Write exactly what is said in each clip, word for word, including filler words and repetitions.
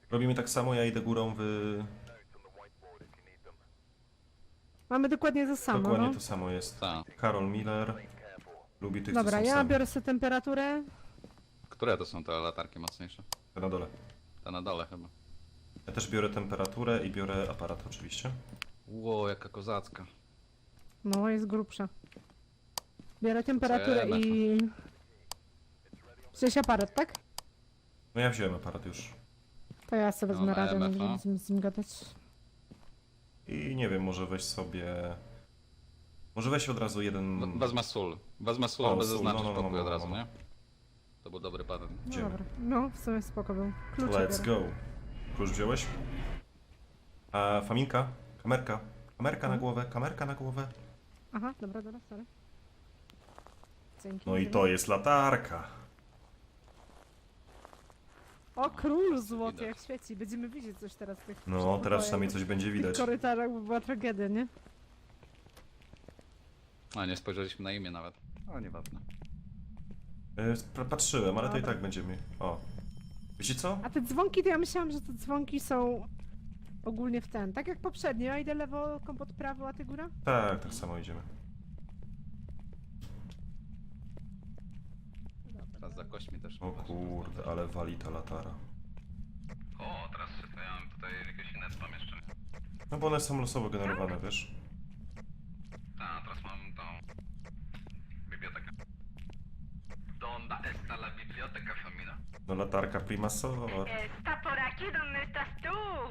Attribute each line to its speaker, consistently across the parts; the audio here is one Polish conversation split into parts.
Speaker 1: Robimy tak samo, ja idę górą, wy...
Speaker 2: Mamy dokładnie to samo,
Speaker 1: Dokładnie
Speaker 2: no.
Speaker 1: to samo jest.
Speaker 3: Tak.
Speaker 1: Karol Miller lubi tych,
Speaker 2: Dobra,
Speaker 1: co są
Speaker 2: ja
Speaker 1: sami.
Speaker 2: biorę sobie temperaturę.
Speaker 3: Które to są te latarki mocniejsze?
Speaker 1: Te na dole.
Speaker 3: Te na dole chyba.
Speaker 1: Ja też biorę temperaturę i biorę aparat oczywiście.
Speaker 3: Ło, jaka kozacka.
Speaker 2: No, jest grubsza. Biorę temperaturę
Speaker 3: Co ja
Speaker 2: i... Wziąłeś aparat, tak?
Speaker 1: No ja wziąłem aparat już.
Speaker 2: To ja sobie
Speaker 3: No,
Speaker 2: wezmę
Speaker 3: na
Speaker 2: radę, nie
Speaker 3: M F, a?
Speaker 2: będziemy z nim gadać.
Speaker 1: I nie wiem, może weź sobie... Może weź od razu jeden...
Speaker 3: We- Wezmę sól. Wezmę sól,
Speaker 1: O,
Speaker 3: aby
Speaker 1: sól,
Speaker 3: zaznaczyć
Speaker 1: no, no, no,
Speaker 3: pokój
Speaker 1: no,
Speaker 3: od
Speaker 1: no,
Speaker 3: razu,
Speaker 1: no.
Speaker 3: nie? To był dobry patent.
Speaker 2: No
Speaker 1: Idziemy.
Speaker 2: dobra, no w sumie spoko był. Klucze
Speaker 1: Let's
Speaker 2: biorę.
Speaker 1: go. Klucz wziąłeś? A faminka? Kamerka? Kamerka na
Speaker 2: Mhm.
Speaker 1: głowę, kamerka na głowę.
Speaker 2: Aha, dobra, dobra, sorry. Dzięki.
Speaker 1: No i
Speaker 2: dzięki.
Speaker 1: to jest latarka.
Speaker 2: O, król złoty,
Speaker 3: Widać.
Speaker 2: jak świeci. Będziemy widzieć coś teraz w tych
Speaker 1: No,
Speaker 2: przedpokojach,
Speaker 1: teraz przynajmniej coś będzie
Speaker 2: w tych
Speaker 1: widać.
Speaker 2: korytarzach, bo była tragedia, nie?
Speaker 3: A, nie spojrzeliśmy na imię nawet. O, nieważne.
Speaker 1: E, spra- Patrzyłem, ale to i
Speaker 2: Dobra.
Speaker 1: tak będziemy... O. Wiecie co?
Speaker 2: A te dzwonki, to ja myślałam, że te dzwonki są ogólnie w ten. Tak jak poprzednio, ja idę lewo, kompot prawo, a ty góra?
Speaker 1: Tak, tak samo idziemy.
Speaker 3: Teraz za kośćmi też.
Speaker 1: O kurde, ale wali ta latara.
Speaker 3: O, teraz przystawiamy tutaj jakieś inne pomieszczenie.
Speaker 1: No bo one są losowo generowane, wiesz?
Speaker 3: A, teraz mam tą... bibliotekę. Donde está la biblioteca femina?
Speaker 1: No latarka prima sor.
Speaker 2: Está por aquí donde estás tú.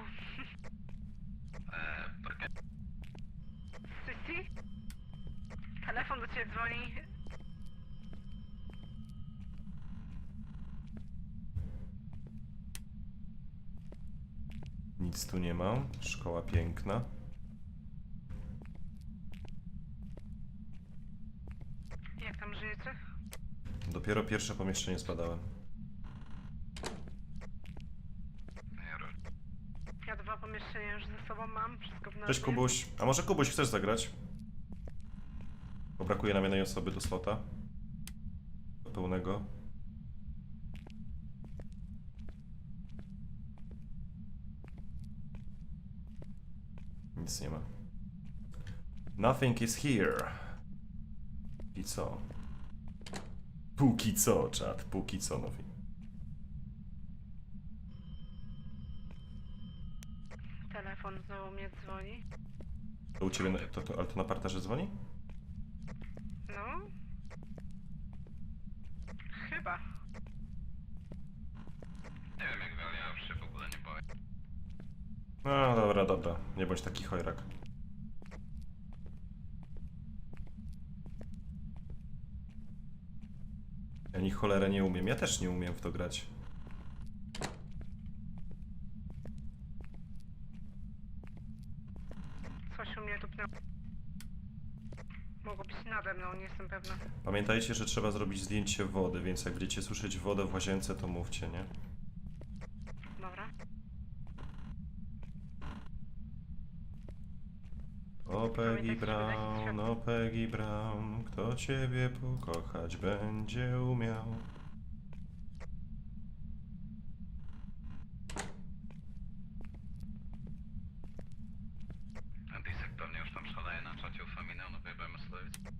Speaker 3: Eee, ¿por qué?
Speaker 2: Sí, sí. Telefon do ciebie dzwoni.
Speaker 1: Nic tu nie ma. Szkoła piękna.
Speaker 2: Jak tam żyjecie?
Speaker 1: Dopiero pierwsze pomieszczenie zbadałem.
Speaker 2: Ja dwa pomieszczenia już ze sobą mam, wszystko w
Speaker 1: Cześć
Speaker 2: nazwie.
Speaker 1: Kubuś. A może Kubuś chcesz zagrać? Bo brakuje nam jednej osoby do slota. Do pełnego. Nic nie ma. Nothing is here. Póki co. Póki co, czat. Póki co, nothing.
Speaker 2: Telefon znowu mnie dzwoni.
Speaker 1: To u ciebie, na- to, to, ale to na parterze dzwoni?
Speaker 2: No? Chyba.
Speaker 3: Nie wiem jak wy, ale ja już się w ogóle nie boję.
Speaker 1: No dobra, dobra. Nie bądź taki chojrak. Ja ni cholerę nie umiem. Ja też nie umiem w to grać.
Speaker 2: Coś u mnie tupnęło. Mogło być nade mną, nie jestem pewna.
Speaker 1: Pamiętajcie, że trzeba zrobić zdjęcie wody, więc jak będziecie słyszeć wodę w łazience, to mówcie, nie?
Speaker 2: Dobra.
Speaker 1: O Peggy
Speaker 2: Pamiętajcie, żeby dać
Speaker 1: Brown,
Speaker 2: światło.
Speaker 1: o Peggy Brown, kto ciebie pokochać będzie umiał.
Speaker 3: Antisek pewnie już tam szaleje na czacie u Faminy, no wyjebajmy sobie.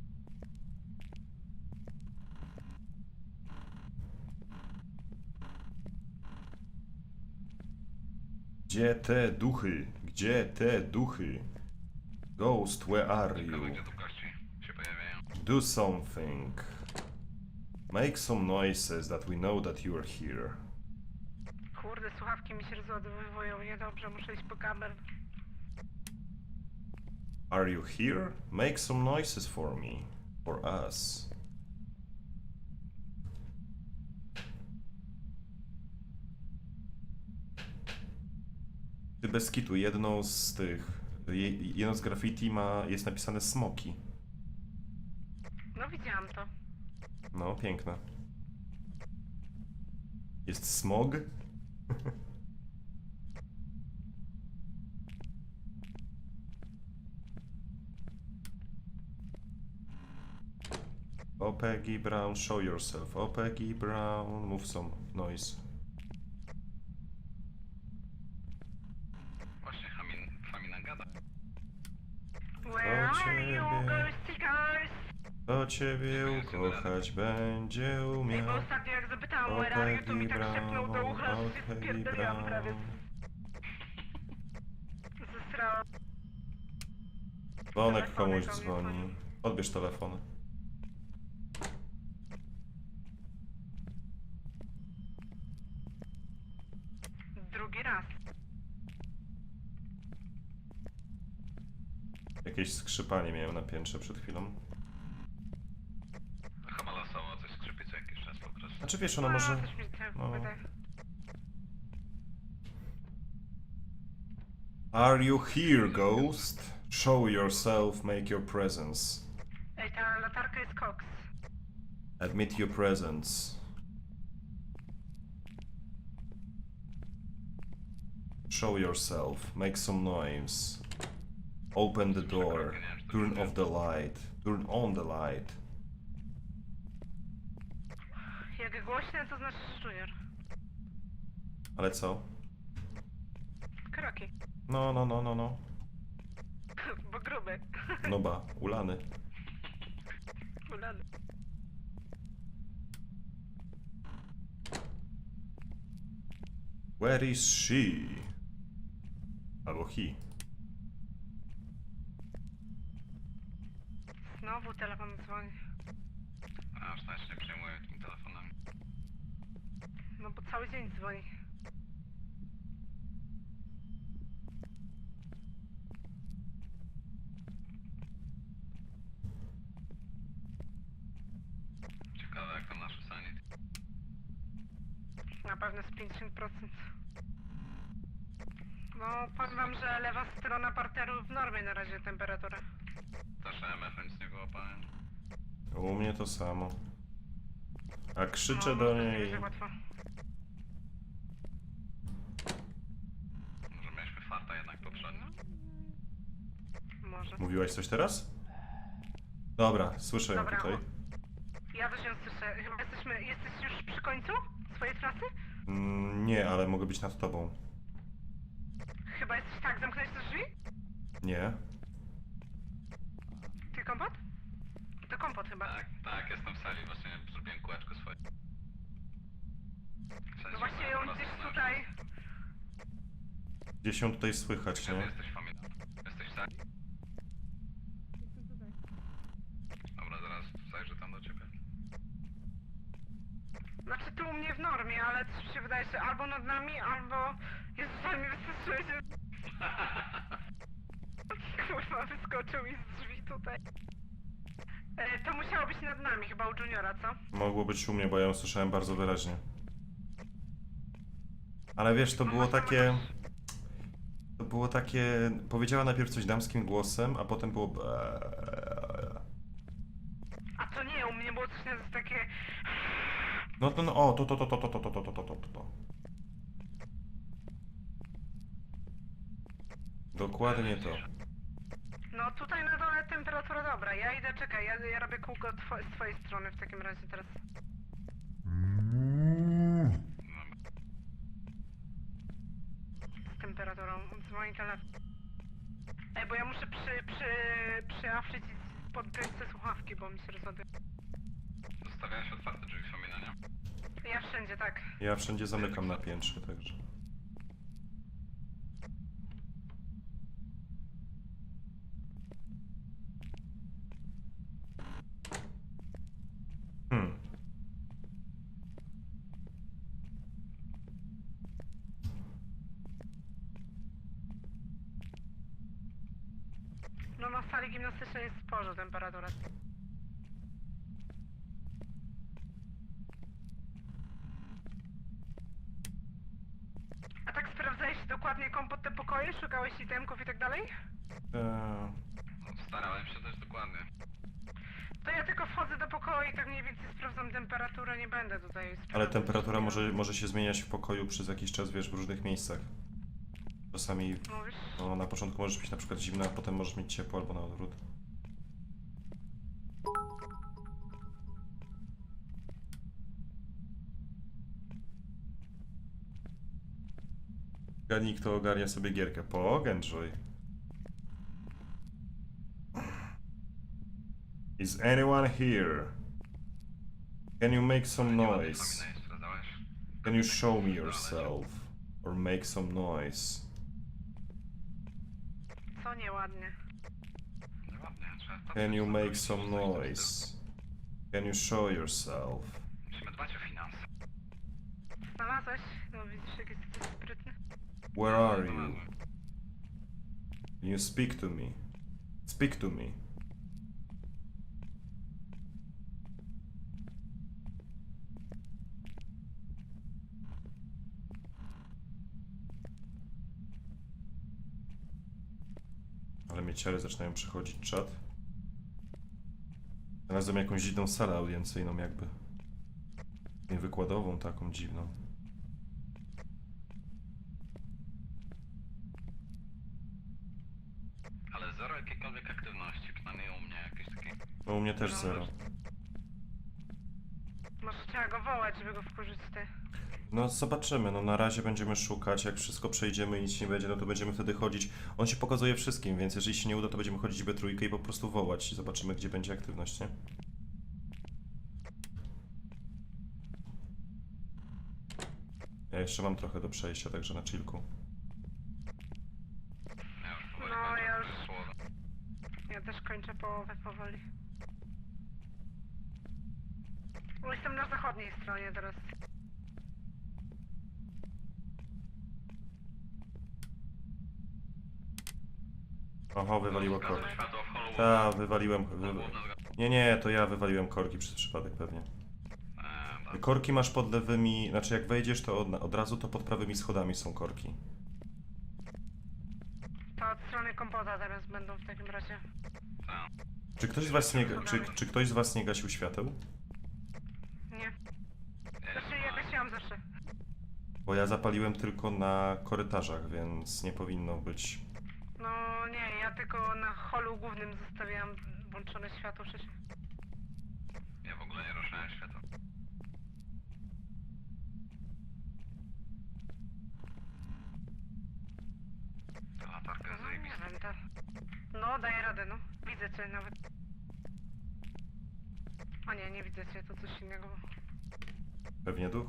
Speaker 1: Gdzie te duchy? Gdzie te duchy? Ghost, where are you?
Speaker 3: Ciekawe, gdzie tu kości się pojawiają.
Speaker 1: Do something. Make some noises that we know that you are here.
Speaker 2: Kurde, słuchawki mi się rozładowywują, niedobrze, muszę iść po kabel.
Speaker 1: Are you here? Make some noises for me. For us. Ty bez kitu, jedną z tych... je- Jedno z graffiti ma... jest napisane smoki.
Speaker 2: No widziałam to.
Speaker 1: No, piękne. Jest smog? O Peggy Brown, show yourself. O Peggy Brown, move some noise. Kto ciebie ukochać będzie
Speaker 2: Ej,
Speaker 1: umiał?
Speaker 2: bo ostatnio jak zapytałam where are you, to mi tak szepnął do ucha, że się spierdoliłam prawie. Zesrałam.
Speaker 1: Dzwonek
Speaker 2: Telefonek
Speaker 1: komuś
Speaker 2: do mnie
Speaker 1: dzwoni.
Speaker 2: dzwoni.
Speaker 1: Odbierz telefon.
Speaker 2: Drugi raz.
Speaker 1: Jakieś skrzypanie miałem na piętrze przed chwilą.
Speaker 3: Chyba losowo coś skrzypi co jakiś czas po prostu.
Speaker 1: Znaczy wiesz, ona
Speaker 2: No,
Speaker 1: może...
Speaker 2: coś mi się
Speaker 1: no.
Speaker 2: wydaje.
Speaker 1: Are you here, ghost? Show yourself, make your presence.
Speaker 2: Ej, ta latarka jest koks.
Speaker 1: Admit your presence. Show yourself, make some noise. Open the door. Turn off the light. Turn on the light.
Speaker 2: Jak głośne, to znaczy junior.
Speaker 1: Ale co?
Speaker 2: Kroki.
Speaker 1: No, no, no, no, no.
Speaker 2: Bo gruby.
Speaker 1: No ba, ulany.
Speaker 2: Ulany.
Speaker 1: Where is she? Albo he.
Speaker 2: Znowu telefon dzwoni.
Speaker 3: A już nawet się nie przejmuję tym telefonem.
Speaker 2: No bo cały dzień dzwoni.
Speaker 3: Ciekawe jak tam nasze sanity.
Speaker 2: Na pewno z pięćdziesiąt procent. No, powiem wam, że lewa strona parteru w normie na razie temperatura.
Speaker 3: Też E M F nic nie wyłapałem.
Speaker 1: U mnie to samo. A krzyczę
Speaker 2: no,
Speaker 1: do
Speaker 2: może nie
Speaker 1: niej.
Speaker 2: będzie łatwo.
Speaker 3: Może mieliśmy farta jednak poprzednio.
Speaker 2: Może.
Speaker 1: Mówiłaś coś teraz? Dobra, słyszę ją
Speaker 2: Dobra,
Speaker 1: tutaj.
Speaker 2: o. Ja też ją słyszę. Chyba jesteśmy... Jesteś już przy końcu swojej trasy?
Speaker 1: Mm, nie, ale mogę być nad tobą.
Speaker 2: Chyba jesteś tak, zamknąłeś te drzwi?
Speaker 1: Nie.
Speaker 2: Ty kompot? To kompot chyba.
Speaker 3: Tak, tak, jestem w sali, właśnie zrobiłem kółeczko swoje. W sensie
Speaker 2: No właśnie
Speaker 3: moja
Speaker 2: ją
Speaker 3: prawa
Speaker 2: gdzieś
Speaker 3: strona.
Speaker 2: tutaj...
Speaker 1: Gdzieś ją tutaj słychać,
Speaker 3: Gdzie ty
Speaker 1: nie?
Speaker 3: jesteś familia? Jesteś w sali? Dobra, zaraz zajrzę tam do ciebie.
Speaker 2: Znaczy tu u mnie w normie, ale coś mi się wydaje, że albo nad nami, albo... Jezus, ale mnie wystraszyłeś. Kurwa, wyskoczył mi z drzwi tutaj. E, to musiało być nad nami, chyba u Juniora, co?
Speaker 1: Mogło być u mnie, bo ja ją słyszałem bardzo wyraźnie. Ale wiesz, to
Speaker 2: No
Speaker 1: było
Speaker 2: masz tam
Speaker 1: takie...
Speaker 2: jakąś-
Speaker 1: To było takie... Powiedziała najpierw coś damskim głosem, a potem było...
Speaker 2: A to nie, u mnie było coś na takie...
Speaker 1: No to no, o, to, to, to, to, to, to, to, to, to, to, to, to. Dokładnie to.
Speaker 2: No tutaj na dole temperatura dobra, ja idę, czekaj, ja, ja robię kółko two z twojej strony w takim razie teraz. Z temperaturą, dzwoni telefon. Ej, bo ja muszę przy, przy, przyafrzyć i podpiąć te słuchawki, bo mi się rozładuje.
Speaker 3: Zostawiałeś otwarte drzwi Famina, nie?
Speaker 2: Ja wszędzie, tak.
Speaker 1: Ja wszędzie zamykam na piętrze, także. Hmm.
Speaker 2: No na sali gimnastycznej jest sporo temperatura. A tak sprawdzałeś dokładnie kompot te pokoje? Szukałeś itemków i tak dalej?
Speaker 1: Eee,
Speaker 3: No, starałem się też dokładnie.
Speaker 2: To ja tylko wchodzę do pokoju i tak mniej więcej sprawdzam temperaturę, nie będę tutaj sprawdzać.
Speaker 1: ale temperatura może, może się zmieniać w pokoju przez jakiś czas, wiesz, w różnych miejscach. Czasami,
Speaker 2: Mówisz?
Speaker 1: no, na początku możesz mieć na przykład zimno, a potem możesz mieć ciepło albo na odwrót. Gadnij, kto ogarnia sobie gierkę. Pogędżuj. I Is anyone here? Can you make some noise?
Speaker 3: Wspominałeś, sprawdzałeś?
Speaker 1: Can you show me yourself? Or make some noise?
Speaker 2: Co nieładnie.
Speaker 3: No ładnie, trzeba patrzeć,
Speaker 1: Can you
Speaker 3: co
Speaker 1: make
Speaker 3: robić,
Speaker 1: some
Speaker 3: coś tam
Speaker 1: noise? Can you show yourself?
Speaker 3: Musimy dbać o finanse.
Speaker 2: Znalazłeś? No widzisz, jak jesteś sprytny.
Speaker 1: Where are you? Can you speak to me? Speak to me. Ale mnie ciary zaczynają przychodzić, czat. Znalazłem jakąś dziwną salę audiencyjną jakby. Nie wykładową taką dziwną.
Speaker 3: Ale zero jakiejkolwiek aktywności, przynajmniej u mnie jakieś takie...
Speaker 1: No u mnie też zero.
Speaker 2: Może trzeba go wołać, żeby go wkurzyć ty.
Speaker 1: No zobaczymy, no na razie będziemy szukać, jak wszystko przejdziemy i nic nie będzie, no to będziemy wtedy chodzić. On się pokazuje wszystkim, więc jeżeli się nie uda, to będziemy chodzić we trójkę i po prostu wołać i zobaczymy, gdzie będzie aktywność, nie? Ja jeszcze mam trochę do przejścia, także na chillku.
Speaker 3: Ja już powoli
Speaker 2: No,
Speaker 3: kończę
Speaker 2: ja
Speaker 3: te
Speaker 2: już-
Speaker 3: słowa.
Speaker 2: Ja też kończę połowę powoli. Bo jestem na zachodniej stronie teraz.
Speaker 1: Oho, wywaliło
Speaker 3: Zgasło
Speaker 1: korki.
Speaker 3: światło w Hollywood.
Speaker 1: Ta, wywaliłem... Wy...
Speaker 3: Hollywood na zga-
Speaker 1: Nie, nie, to ja wywaliłem korki przez przypadek pewnie.
Speaker 3: Eee, dobra.
Speaker 1: Korki masz pod lewymi, znaczy jak wejdziesz, to od, od razu to pod prawymi schodami są korki.
Speaker 2: To od strony kompota teraz będą w takim razie.
Speaker 3: Tak.
Speaker 1: Czy ktoś z was nie, czy, czy ktoś z was nie gasił świateł?
Speaker 2: Nie.
Speaker 3: Ja
Speaker 2: Znaczy
Speaker 3: jestem
Speaker 2: ja
Speaker 3: na-
Speaker 2: gasiłam zawsze.
Speaker 1: Bo ja zapaliłem tylko na korytarzach, więc nie powinno być.
Speaker 2: No nie, ja tylko na holu głównym zostawiałam włączone światło przecież.
Speaker 3: Ja w ogóle nie ruszałem światła. Ta latarka jest
Speaker 2: No nie
Speaker 3: zajebista.
Speaker 2: wiem, ta... No daję radę, no. Widzę cię nawet. A nie, nie widzę cię, to coś innego.
Speaker 1: Pewnie duch?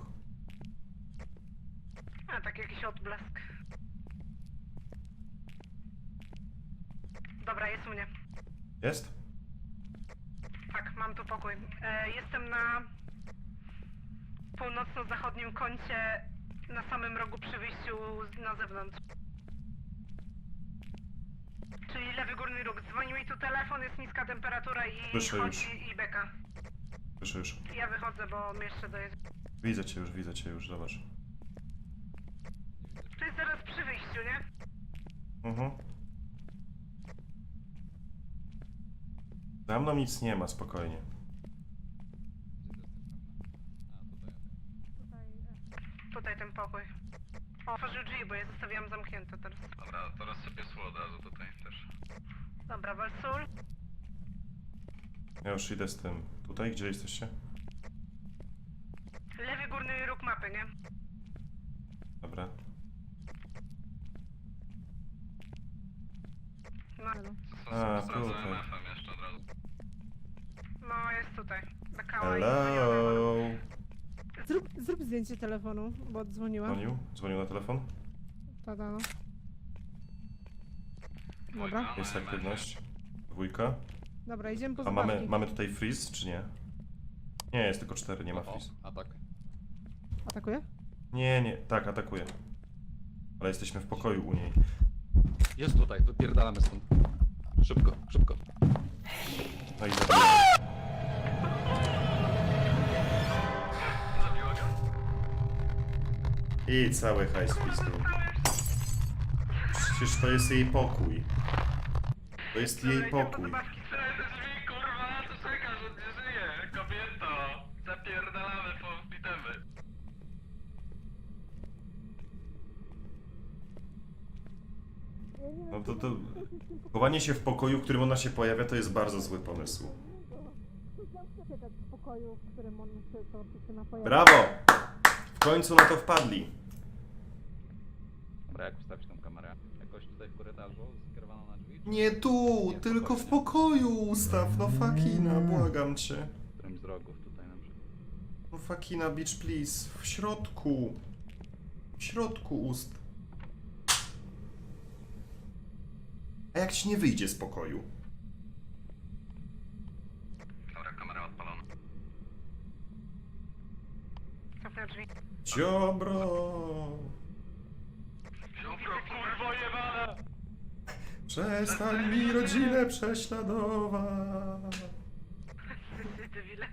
Speaker 2: A tak jakiś odblask. Dobra, jest u mnie.
Speaker 1: Jest?
Speaker 2: Tak, mam tu pokój. E, jestem na północno-zachodnim kącie, na samym rogu przy wyjściu z- na zewnątrz. Czyli lewy górny róg. Dzwoni mi tu telefon, jest niska temperatura i
Speaker 1: Słyszę
Speaker 2: chodzi
Speaker 1: już.
Speaker 2: i beka.
Speaker 1: Słyszę już.
Speaker 2: Ja wychodzę, bo mnie jeszcze dojedzie.
Speaker 1: Widzę cię już, widzę cię już, zobacz.
Speaker 2: To jest zaraz przy wyjściu, nie?
Speaker 1: Mhm. Za mną nic nie ma, spokojnie.
Speaker 2: Tutaj ten pokój. O, otworzył drzwi, bo je zostawiłam zamknięte teraz.
Speaker 3: Dobra, teraz sobie sól od razu tutaj też.
Speaker 2: Dobra, Walsul.
Speaker 1: Ja już idę z tym. Tutaj, gdzie jesteście?
Speaker 2: Lewy górny róg mapy, nie?
Speaker 1: Dobra.
Speaker 2: No,
Speaker 3: Co
Speaker 1: A,
Speaker 3: sobie sprawdzę
Speaker 1: tutaj.
Speaker 3: M F em jeszcze od razu.
Speaker 2: no jest tutaj. Bekała
Speaker 1: Hello!
Speaker 4: Zrób, zrób zdjęcie telefonu, bo dzwoniła.
Speaker 1: Dzwonił? Dzwonił na telefon?
Speaker 4: Tada, no.
Speaker 3: Dwójka
Speaker 4: Dobra.
Speaker 3: na
Speaker 1: Jest
Speaker 3: M F ie.
Speaker 1: aktywność. Dwójka.
Speaker 4: Dobra, idziemy po
Speaker 1: A
Speaker 4: zabawki.
Speaker 1: mamy, mamy tutaj freeze, czy nie? Nie, jest tylko cztery, nie ma freeze.
Speaker 5: A tak.
Speaker 4: Atakuje?
Speaker 1: Nie, nie, tak, atakuje. Ale jesteśmy w pokoju u niej.
Speaker 5: Jest tutaj, wypierdalamy stąd. Szybko, szybko.
Speaker 1: No i zabiję.
Speaker 3: Zabiło go?
Speaker 1: I cały hajs pistol. Przecież to jest jej pokój. To jest jej pokój.
Speaker 3: Te drzwi, kurwa, to czekasz, on nie żyje. Kobieto, zapierdalamy po bitemy.
Speaker 1: No to, to... Chowanie się w pokoju, w którym ona się pojawia, to jest bardzo zły pomysł.
Speaker 4: W pokoju, w którym on się teoretycznie pojawia.
Speaker 1: Brawo! W końcu na to wpadli.
Speaker 5: Dobra, jak ustawić tą kamerę? Jakoś tutaj w korytarzu skierowaną na drzwi,
Speaker 1: Nie tu, tylko w pokoju ustaw, no fakina, błagam cię.
Speaker 5: Którymś z rogów tutaj na przykład.
Speaker 1: No fakina, bitch, please. W środku. W środku ust. A jak ci nie wyjdzie z pokoju?
Speaker 3: Dobra, kamera odpalona.
Speaker 2: Zamknę drzwi.
Speaker 1: Ziobro.
Speaker 3: Ziobro, kurwo jebana!
Speaker 1: Przestań mi rodzinę prześladować.
Speaker 2: Debile.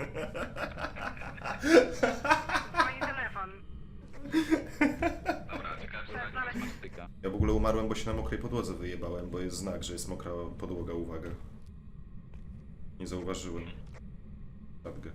Speaker 2: Dzwoni telefon.
Speaker 3: Dobra, ciekawe, czy
Speaker 2: Trzeba
Speaker 3: tak
Speaker 2: znaleźć...
Speaker 5: Styka.
Speaker 1: Ja w ogóle umarłem, bo się na mokrej podłodze wyjebałem, bo jest znak, że jest mokra podłoga, uwaga. Nie zauważyłem. Sadgę.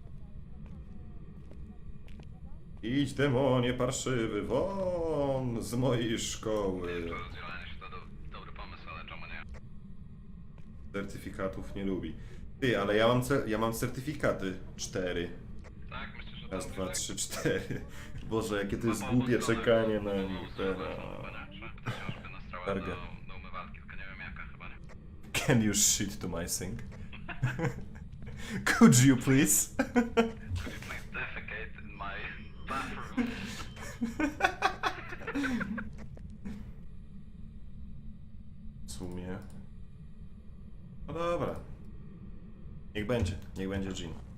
Speaker 1: Idź demonie parszywy, won z mojej szkoły.
Speaker 3: to rozdzielanie się to do, dobry pomysł, ale czemu nie?
Speaker 1: Certyfikatów nie lubi. Ty, ale ja mam, ce- ja mam certyfikaty. Cztery.
Speaker 3: Tak, myślę, że to
Speaker 1: Raz, dwa,
Speaker 3: tak?
Speaker 1: trzy, cztery. Boże, jakie to jest
Speaker 3: No, bo
Speaker 1: głupie
Speaker 3: obok
Speaker 1: czekanie
Speaker 3: strony-
Speaker 1: na
Speaker 3: no,
Speaker 1: nich
Speaker 3: strony
Speaker 1: teraz.
Speaker 3: są chyba, nie? Czy książkę nastrałem
Speaker 1: Targę.
Speaker 3: do, do umywalki, tylko nie wiem jaka chyba nie.
Speaker 1: Can you shit to my sink? Could you please?
Speaker 3: Could you please defecate in my bathroom?
Speaker 1: W sumie. No dobra. Niech będzie, niech będzie Jean.